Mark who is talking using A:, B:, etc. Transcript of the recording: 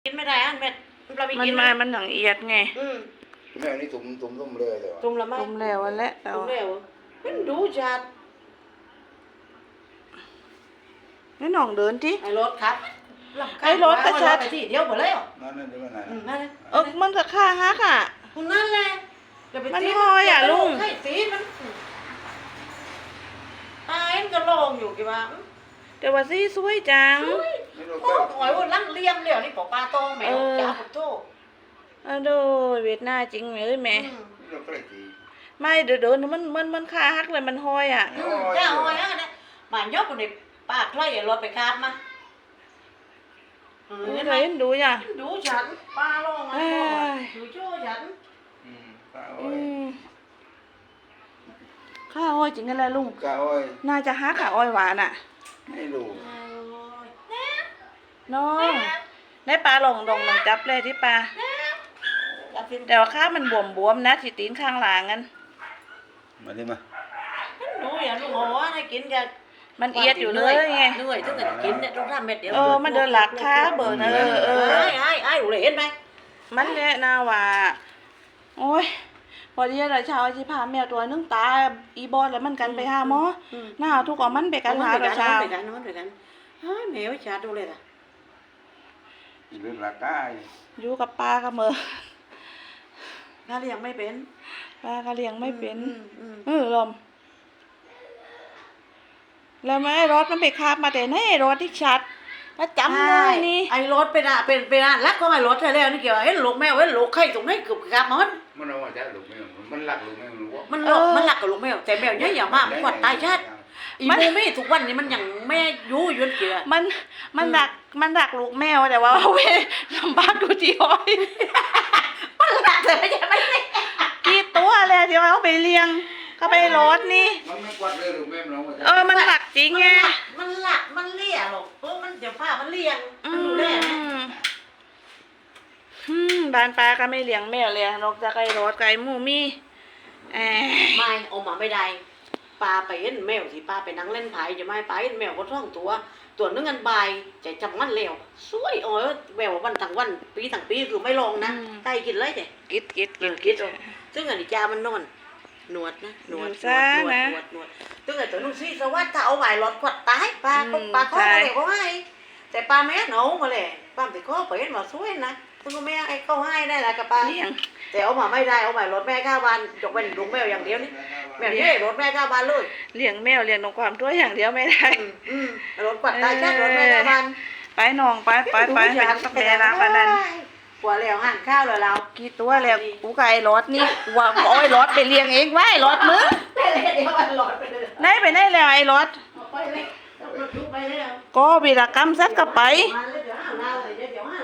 A: กินไม่ได้อันเม็ดเราไป
B: มัน
A: กิน
B: มามันหนังเอียดไง
C: แม่นี่ตุ่มเลยเลยวะ
A: ตุ่มละไหม
B: ตุ่มแล้วอันและ
A: ตุ่มแล้วมันดูจัด
B: นี่หน่องเดินที่
A: ไอ้รถครับ
B: ไอ้รถก็ชัด
A: ไปที่เดียวหมดแล้ว
C: นั่นเดี๋ยวมันไหน
A: นั่น
B: มันจะฆ่าฮักอ่ะ
A: คุณนั่นแหละ
B: มันห้อยอะลุง
A: ให้สีมันตายมันก็ลงอยู่กี่บ้าง
B: แต่ว่าซี่สวยจัง
C: ไม่รู้
A: โอ้
C: ก็
A: หอยว่าลังเลี้ยมเดี๋ยวนี่ปอกปลาโตแมวจ้าผมโต
B: ดูเวียดนามจริงไหมเอ้ยแม่
C: ไม่รู้ก็เลยที
B: ไม่เดินมันฆ่าฮักเลยมันห้อยอ่ะ
A: จ้าหอยอ่ะเนี่ยมายกคนในปากไล่รถไปคาบมา
B: เห็นไหมดูจ้ะ
A: ดูฉันปลาลงอ่ะดูโจ้ฉัน
C: ข้าวอ้อย
B: ข้าห้อยจริงกันเลยลุง
C: ข้าวอ้อย
B: น่าจะฮักอ่ะอ้อยหวานอ่ะ
C: ไม่รู้
B: น้องได้ปลาลงจับเลยที่ปลาแต่ว่าข้ามันบวมนะที่ตีนข้างหลังกัน
C: มาดิมา
A: ดูอย่างลุงหัวให้กินกัน
B: มันเอียดอยู่เลยไง
A: เหนื่อยถึงจะกินเนี่ยต้องทำเม็ดเดียว
B: มันเดินหลักค้าเบิร์น
A: ไอ้ดูเลยเห็นไหม
B: มันแหละนาว่าโอ้ยพอดีเราเช้าที่พาแมวตัวนึงตาอีบอสแล้วมันกันไปหาหมอหน้าทุกข์มันไปกันหาเราเช้า
A: ไปกันเฮ้ยแมวชาดูเลยล่ะ
C: เรื่องราคา
B: อยู่กับปลากับมือ
A: ถ้าเลี้ยงไม่เป็น
B: ปลาก็เลี้ยงไม่เป็นลมแล้วแม่รถมันไปคาบมาแต่ไหนรถที่ชัดแล้วจำได้นี่
A: ไอ้รถเป็นรักของไอ้รถใช่แล้วนี่เกี่ยวเห็นลูกแมวเห็นลูกไข่ตรงไหนเกือบกับมัน
C: เอาว่าจะลูกไม่มันหลักลูกไม่รู้ว่า
A: มันหลักกับลูกแมวแต่แมวเนี่ยอย่ามากมันกดตายชาติอีโมมี่ทุกวันนี้มันยังแม่ยู่ยืนเกี่ย
B: มันดักลูกแมวแต่ว่าเว้ลำบากดูที่อ้อย
A: มันหลักแต่ไม่ใช่ไม่ได้
B: กี่ตัวเลยที่ว่าเขาไปเลี้ยงเขาไปรถนี่
C: มันไม่กวาดเลยลูกแม่มัน
B: มันหลักจริงไง
A: มันหลักมันเลี่ยหรอกมันเดี๋ยวผ้ามันเลี่ยงมันดูแล
B: บ้านปลาก็ไม่เลี้ยงแมวเลยนอกจากไก่รถไก่หมูมี่
A: ไม่เอามาไม่ได้ปลาไปเห็นแมวที่ปลาไปนั่งเล่นไผ่จะไม่ปลาเห็นแมวก็ท่องตัวนึงกันใบใจจำมันเร็วสวยโอ้ยแมววันทั้งวันปีทั้งปีคือไม่ลงนะไก่กินเลยแต่
B: กิด
A: ซึ่งอันนี้จามันนอนหนวดนะหนวดซึ่งอันตัวนุ่งซีสวัสดิ์ถ้าเอาไหวรถกวดตายปลาข้อมาเลยเขาให้แต่ปลาแม่หนูมาเลยปลาติดข้อไปเห็นมาสวยนะซึ่งแม่ไอ้เขาให้ได้แหละกับปลา
B: เลี้ยง
A: แต่เอามาไม่ได้เอาใหม่รถแม่ข้าวบ้านยกเป็นลุงแมวอย่างเดียวนี่แมวนี่รถแม่ข้าวบ้านเลย
B: เลี้ยงแมวเลี้ยงนกความตัวอย่างเดียวไม่ได้
A: รถกวาดตายแค่รถแม่ข้าวบ้าน
B: ไปน้องไปต้องสักแม่ละวันนั้น
A: กว่าแล้วหั่นข้าวเลยเรา
B: กี่ตัวแล้วกูไก่รถนี่ว่าโอ้ยรถไปเลี้ยงเองไว้รถมึง
A: เดี๋ยวมันหลอดไปเลย
B: ไหนไปไหนแล้วไอ้รถ
A: ไปเลยรถลุกไปเลย
B: ก็วีรกรรมซัดกับไป
A: มาเลยเดี๋ยวหาเราเลยเดี๋ยวหา